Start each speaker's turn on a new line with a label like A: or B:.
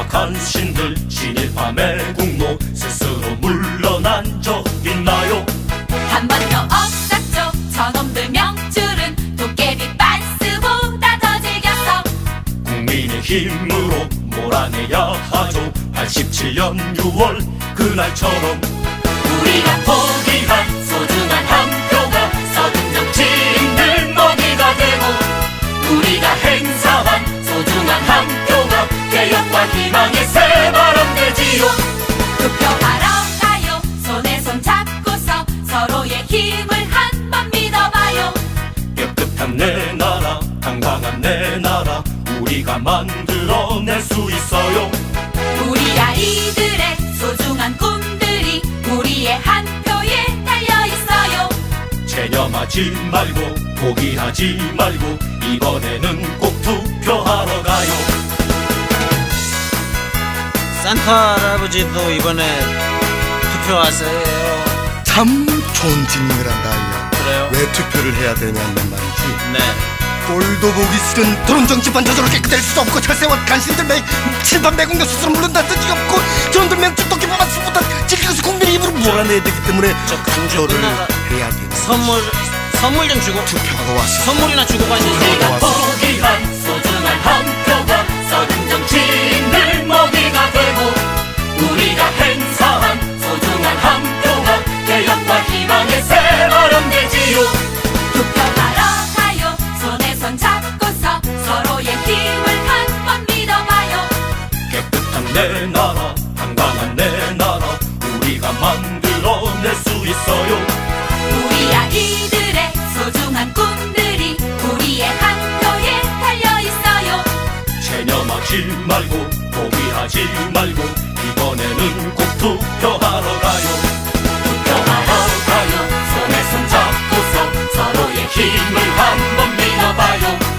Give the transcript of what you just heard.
A: 타락한 신들 친일파의 국모 스스로 물러난 적 있나요?
B: 한 번도 없었죠. 저놈들 명줄은 도깨비 빤스보다 더 즐겨서
A: 국민의 힘으로 몰아내야 하죠. 87년 6월 그날처럼 우리가 포기한 소중한 한 표가 서든 정치인들 먹이가 되고 우리가 행사한 소중한 한 표가 개혁과 희망의 새바람 되지요.
B: 투표하러 가요. 손에 손 잡고서 서로의 힘을 한번 믿어봐요.
A: 깨끗한 내 나라 당당한 내 나라 우리가 만들어낼 수 있어요.
B: 우리 아이들의 소중한 꿈들이 우리의 한 표에 달려있어요.
A: 체념하지 말고 포기하지 말고 이번에는 꼭 투표하러 가요.
C: 산타 할아버지도 이번에 투표하세요.
D: 참 좋은 질문을 한다 아이야.
C: 그래요?
D: 왜 투표를 해야 되냐는 말이지.
C: 네.
D: 꼴도 보기 싫은 토론 정치판 저절로 깨끗할 수 없고 철새와 간신들 칠판 매국노 스스로 물른다 뜻이 없고 저놈들 맹주 토끼만 수보다 지키고서 국민의 입으로 몰아내야 되기 때문에
C: 저 간주
D: 투표를
C: 끝나가
D: 해야 돼.
C: 선물 좀 주고
D: 투표하고 왔어.
C: 선물이나 주고 가시지.
A: 우리가 포기한 소중한 한 표가 서든 정치인들 먹이가 되고 우리가 행사한 소중한 한 표가 개혁과 희망의 새바람 되지요.
B: 투표하러 가요. 손에 손 잡고서 서로의 힘을 한번 믿어봐요.
A: 깨끗한 내 나라 당당한 내 나라 우리가 만들어낼 수 있어요.
B: 우리 아이들의 소중한 꿈들이 우리의 한 표에 달려있어요.
A: 체념하지 말고 포기하지 말고 이번에는 꼭 투표하러 가요. 투표하러 가요. 손에 손 잡고서 서로의 힘을 한번 믿어봐요.